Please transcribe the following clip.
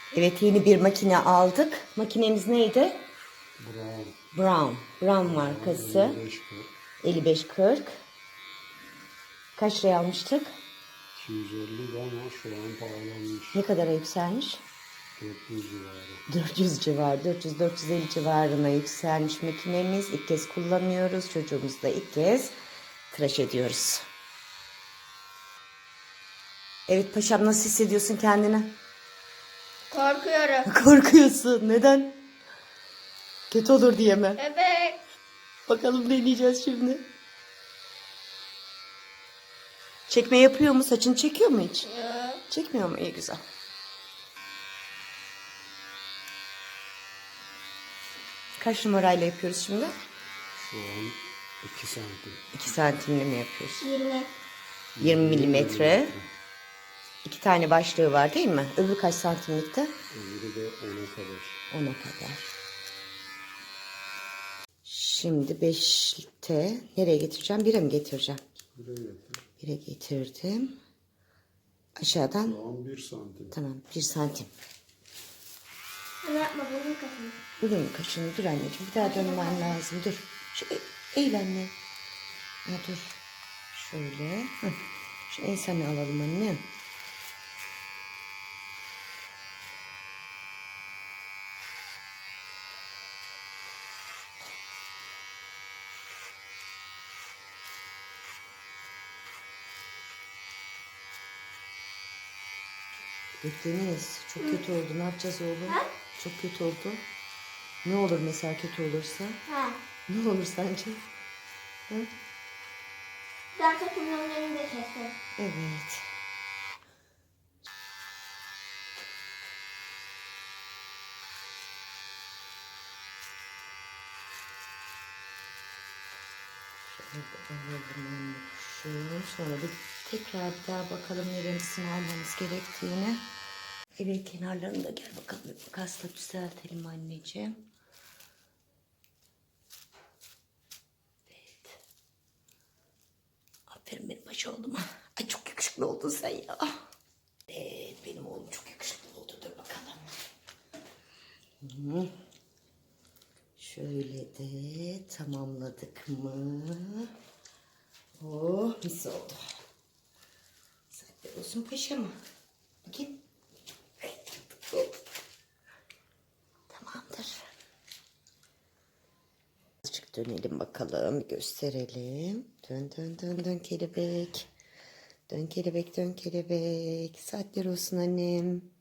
Evet, yeni bir makine aldık. Makinemiz neydi? Brown. Brown markası. 55-40. Kaç liraya almıştık? 250 ama şu an pahalanmış. Ne kadara yükselmiş? 400 civarı. 400 civarı, 400-450 civarına yükselmiş makinemiz. İlk kez kullanıyoruz. Çocuğumuzu da ilk kez tıraş ediyoruz. Evet paşam, nasıl hissediyorsun kendini? Korkuyorum. Korkuyorsun. Neden? Kötü olur diye mi? Evet. Bakalım deneyeceğiz şimdi. Çekme yapıyor mu? Saçını çekiyor mu hiç? Çekmiyor mu? İyi, güzel. Kaç numarayla yapıyoruz şimdi? Şu an 2 santim. 2 santimli mi yapıyoruz? 20. 20 milimetre. 2 tane başlığı var değil mi? Öbürü kaç santimlikte? Öbürü de 10'a kadar. 10'a kadar. Şimdi 5'te nereye getireceğim? 1'e mi getireceğim? Buraya getir. 1'e getirdim. Aşağıdan. Şu an 1 santim. Tamam, 1 santim. Ama yapma benim kafam. Bugün kaşını dur anneciğim. Bir daha dönmen lazım. Dur. Şu eğil anne. Ya dur. Şöyle. Hı. Şu ensemini alalım anne. Deniz, çok kötü oldu. Ne yapacağız oğlum? Ha? Çok kötü oldu. Ne olur mesela kötü olursa? Ha. Ne olur sence? Hı? Ben takımlarını da keserim. Evet. Şöyle alalım anne şu. Sonra bir tekrar bir daha bakalım neresini almamız gerektiğini. Evet, kenarlarını da gel bakalım. Bir makasla düzeltelim anneciğim. Evet. Aferin benim baş oğluma. Ay çok yakışıklı oldun sen ya. Evet, benim oğlum çok yakışıklı oldu. Dur bakalım. Hı. Şöyle de tamamladık mı? Oh, mis oldu. Saatler olsun paşa mı? Bakayım. Tamamdır. Azıcık dönelim bakalım. Gösterelim. Dön dön dön dön kelebek. Dön kelebek, dön kelebek. Saatler olsun annem.